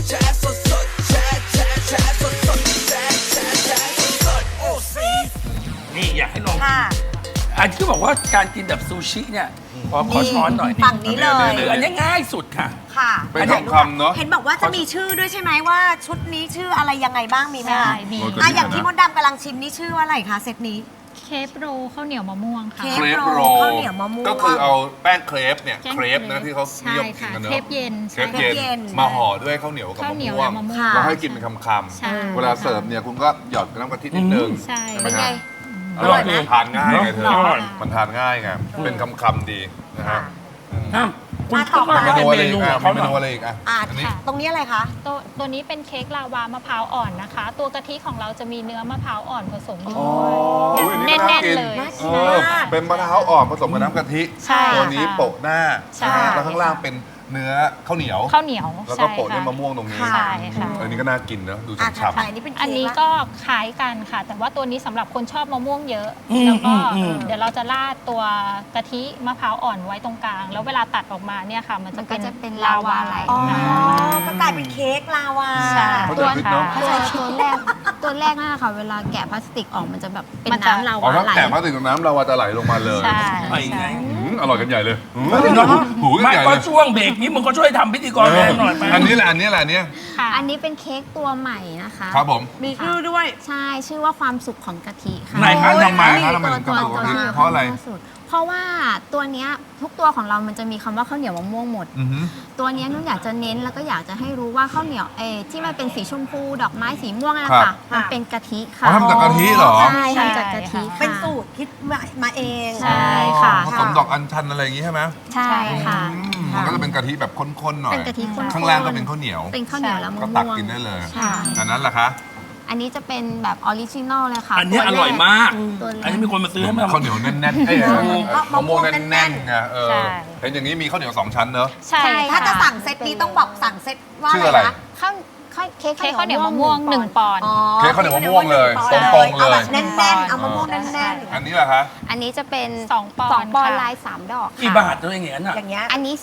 นี่อยากให้ลองกินค่ะอันที่บอกว่าการกินแบบซูชิเนี่ยขอช้อนหน่อยฝั่งนี้เลยหรืออันนี้ง่ายสุดค่ะค่ะเป็นคำๆเนาะเห็นบอกว่าจะมีชื่อด้วยใช่ไหมว่าชุดนี้ชื่ออะไรยังไงบ้างมีไหมใช่คะมีอ่ะอย่างที่มดดำกำลังชิมนี่ชื่อว่าอะไรคะเซตนี้เคปโรข้าวเหนียวมะม่วงค่ะเคเครปโรโรข้าวเหนียวมะม่วงก็คือเอาแป้งเครปเนี่ยแป้งเครปนะที่เขานิยมกินกันเนอะใช่ค่ะเครปเย็นเครปใช่เย็นมาห่อด้วยข้าวเหนียวกับข้าวมะเหนียวม่วและงมะม่วงค่ะแล้วให้กินเป็นคำใช่ๆเวลาเสิร์ฟเนี่ยคุณก็หยอดน้ำกะทินิดนึงใช่ไหมเป็นไงฮะอร่อยไหมทานง่ายไงเธออร่อยมันทานง่ายไงเป็นคำๆดีนะฮะอ่ะคุณมาต่อก็เมมานูเป็นอะไรเมอีนูกของเมเขาหนูน่อะไรอยอีกอ่ะอันนี้ตรงนี้อะไรคะตัวนี้เป็นเค้กลาวามะพร้าวอ่อนนะคะ ตัวกะทิของเราจะมีเนื้อมะพร้าวอ่อนผสมอยู่อ๋อด้วยอันแนี้ก็น่น่าน กินๆเลยน่ากิเอน อมากเป็นมะพร้าวอ่อนผสมกับน้ำกะทิใช่ตัวนี้ค่ะโปะหน้าใช่นะฮะแล้วข้างล่างเป็นเนื้อข้าวเหนียวข้าวเหนียวแล้วก็ใช่โปะด้วยค่มะม่วงตรงนี้ค่ะใช่ค่ะอันนี้ก็น่ากินเนอะดูอ่ะถัดฉ่ำไปอันนี้เป็นเค้กอันนี้ละก็คล้ายกันค่ะ แต่ว่าตัวนี้สำหรับคนชอบมะม่วงเยอะอืมแล้วก็อืมเดี๋ยวเราจะราดตัวกะทิมะพร้าวอ่อนไว้ตรงกลาง แล้วเวลาตัดออกมาเนี่ยค่ะ มันมันก็จะจะเป็เป็นนลาวาไหลอ๋อค่ะก็กลายเป็นเค้กลาวาใช่เขาจะคิดเนอะตัวแรกนั่นแหละค่ะ เวลาแกะพลาสติกออกมันจะแบบเป็นมันจะน้ำลาอ๋อวาถ้าไหลแกะมาถึงน้ำเราจะไหลลงมาเลยใช่ไปไงอร่อยกันใหญ่เลยหืมหูกันไม่ใหญ่ก็เลยช่วงเบรกนี้มึงก็ช่วยทำพิธีกรแทนหน่อยไหมอันนี้แหละอันนี้แหละเนี่ยค่ะอันนี้เป็นเค้กตัวใหม่นะคะครับผมมีชื่อด้วยใช่ ชื่อว่าความสุขของกะทิค่ะไหนคะโอ้ยทำไมคะทำไมถึงกระดูกกะทิเพราะอะไรเพราะว่าตัวเนี้ยทุกตัวของเรามันจะมีคำว่าข้าวเหนียวมะม่วงหมดอือหือตัวเนี้ยนุ่นอยากจะเน้นแล้วก็อยากจะให้รู้ว่าข้าวเหนียวที่มันเป็นสีชมพูดอกไม้สีม่วงนั่นครัค่ะบมันเป็นกะทิอ๋ค่ะอทำจากกะทิเหรอใช่ทำจากกะทิค่ะเป็นสูตรคิดมาเองใช่ค่ะผสมดอกอัญชันอะไรอย่างงี้ใช่ไหมใช่ค่ะมันก็จะเป็นกะทิแบบข้นๆหน่อยเป็นกะทิข้นๆข้างล่างก็เป็นข้าวเหนียวเป็นข้าวเหนียวแล้วมะก็ม่วงตักกินได้เลยใช่อันนั้นล่ะคะอันนี้จะเป็นแบบออริจินอลเลยค่ะอันนี้ตัวอแกร่อยมากตัวแรอันกนี้มีคนมาซื้อให้มาข้าวเหนียวแน่นๆเอ้ยมะม่วงแน่นๆไงเออใช่เห็นอย่างนี้มีข้าวเหนียวสองชั้นเนอะใช่ถ้าค่ะจะสั่งเซตนี้ต้องบอกสั่งเซตว่าชื่ออะอะไร ไรคะเค้กเค้กข้าวเหนียวมะม่วง1 ปอนด์อ๋อเค้กข้าวเหนียวมะม่วงเลยอาตรงๆเลยอาแบบแน่นๆ เอามะม่วงแน่นอันนี้ล่ะคะอันนี้จะเป็น 2 ปอนด์สองปอนด์ค่ะลาย 3 ดอกกี่ค่ะบาทตัวอย่างเงี้ยน่ะๆ อย่างเงี้ยอันนี้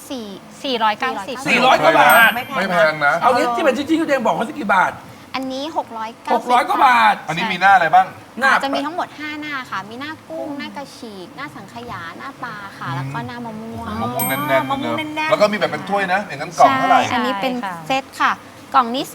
490 400 กว่าบาทไม่แพงนะเอางี้ที่เป็นชิ้นๆที่ตัวเองบอกว่าสักกี่บาทอันนี้690 600 กว่าบาทอันนี้มีหน้าอะไรบ้างหน้าจะมีทั้งหมด 5 หน้าค่ะ มีหน้ากุ้ง หน้ากระฉีก หน้าสังขยา หน้าปลาค่ะ แล้วก็หน้ามะม่วงมะม่วงแน่นๆมะม่วงเนแน่อะนๆแล้วก็มีแบบเป็นถ้วยนะ อย่างนั้นกล่องเท่าไหร่อันนี้เป็นใช่ค่ะเซตค่ะ กล่องนี้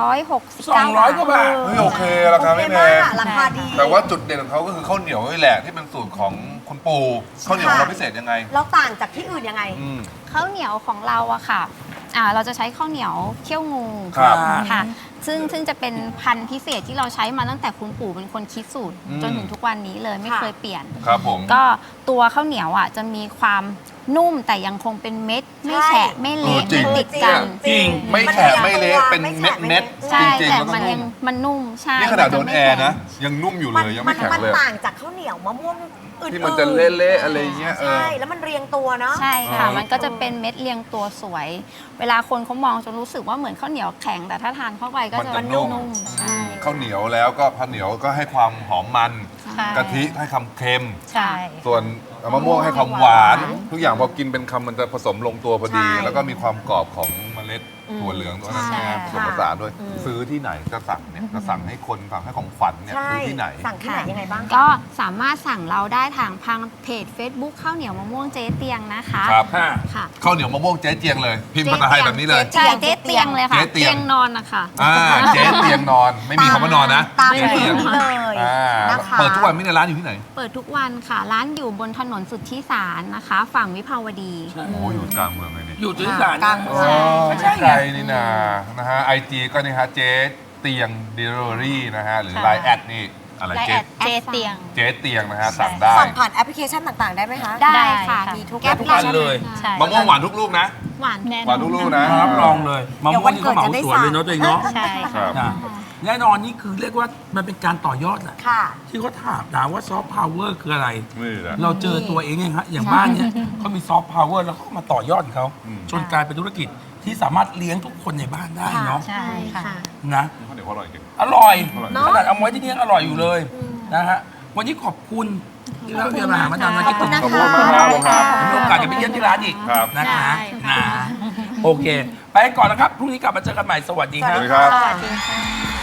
269 200 กว่าบาทเฮ้ยโอเคราคาไม่แพโอเคงมากอะราคาดีแต่ว่าจุดเด่นของเขาก็คือข้าวเหนียวนี่แหละที่เป็นสูตรของคุณปู่ข้าวเหนียวของเราพิเศษยังไงเราต่างจากที่อื่นยังไงอืมข้าวเหนียวของเราอะค่ะเราจะใช้ข้าวเหนียวเคี่ยวงูครับค่ะ ซึ่งจะเป็นพันธุ์พิเศษที่เราใช้มาตั้งแต่คุณปู่เป็นคนคิดสูตร จนถึงทุกวันนี้เลยไม่ค่ะเคยเปลี่ยนครับผมก็ตัวข้าวเหนียวจะมีความนุ่มแต่ยังคงเป็นเม็ด ไม่แฉะไม่เละจริไม่งติดกันจริงไม่แฉะไม่เละเป็นเม็ดเม็ดๆใช่จริงๆแต่แล้วก็มันนุ่ยังมมันนุ่มใช่นี่ขนาดโดนมัแอจะร์ไม่นะแข็งยังนุ่มอยู่เลยยังไม่แข็งมันเลยต่างจากข้าวเหนียวมะม่วงอื่นๆที่มันจะเละๆอะไรเงี้ยเออใช่ แล้วมันเรียงตัวเนาะใช่ค่ะอ๋อมันก็จะเป็นเม็ดเรียงตัวสวย เวลาคนเขามองจะรู้สึกว่าเหมือนข้าวเหนียวแข็ง แต่ถ้าทานเข้าไปก็มันจะจะนุ่มใช่ข้าวเหนียวแล้วก็ข้าวเหนียวก็ให้ความหอมมันใช่กะทิให้ความเค็มใช่ส่วนมะม่วงให้ความหวาน ทุกอย่างพอกินเป็นคำมันจะผสมลงตัวพอดีใช่แล้วก็มีความกรอบของเมล็ดถั่วเหลืองตัวนั้นใช่นะผสมผสานด้วย ซื้อที่ไหนจะสั่งเนี่ยจะสั่งให้คนสั่งให้ของขวัญเนี่ยใช่ซื้อที่ไหนสั่งที่ไหนยังไงบ้างก็สามารถสั่งเราได้ทางเพจ Facebook ข้าวเหนียวมะม่วงเจ๊เตียงนะคะครับค่ะค่ะข้าวเหนียวมะม่วงเจ๊เจียงเลย พิมพ์ภาษาไทยแบบนี้เลยใช่เจ๊เตียงเลยค่ะเจ๊เตียงเตียงนอนนะคะเจ๊เตียงนอน ไม่มีคำว่านอนนะตามเจ๊เพเตียจงนี้เลยอ่านะคะเปิดทุกวันไม่ในร้านอยู่ที่ไหนเปิดทุกวันค่ะ ร้านอยู่บนถนนสุทธิสารนะคะ ฝั่งวิภาวดีโอ้โหอยู่กลางเมืองเลยนี่อยู่ที่ศาลกลางเมือ๋องอไม่ไม่ใช่ไกไงลนี่นะฮะไอจีก็นี่ฮะเจ๊เตียงเดลิเวอรี่นะฮะหรือค่ะไลน์แอดนี่อะไรและเจ๊แอดเจเตียงเจ๊เตียงนะฮะสั่งได้สั่งผ่านแอปพลิเคชันต่างๆ ได้ไหมคะได้ค่ะได้ค่ะมีทุกแก๊ปแอปพลิเคชันเลยใช่มะม่วงหวานทุกลูกนะหวานแน่นหวานทุกลูกนะรับรองเลยมะม่วงนี่ก็เหมาสวนเลยเนาะตัวเองเนาะใช่ครัค่ะบนะแน่นอนนี่คือเรียกว่ามันเป็นการต่อยอดแหละค่ะที่เขาถามว่าซอฟต์พาวเวอร์คืออะไรนี่แหละเราเจอตัวเองไงฮะอย่างบ้านเนี้ยเขามีซอฟต์พาวเวอร์แล้วเขามาต่อยอดของเขาอืมจนกลายเป็นธุรกิจที่สามารถเลี้ยงทุกคนในบ้านได้เนาะใช่ค่ะนะข้าวเหนียวอร่อยจริงอร่อยเนอะขนาดเอาไว้ที่นี่ยังอร่อยอยู่เลยนะฮะวันนี้ขอบคุณที่เราเรียนมาหามาดามนะขอบคุณนะคะขอบคุณมากครับมีโอกาสจะไปเยี่ยมที่ร้านอีกครับนะคะได้ค่ะนะโอเค ไปไปก่อนนะครับพรุ่งนี้กลับมาเจอกันใหม่สวัสดีสวัสครัดีบครับค่ะสวัสดีค่ะ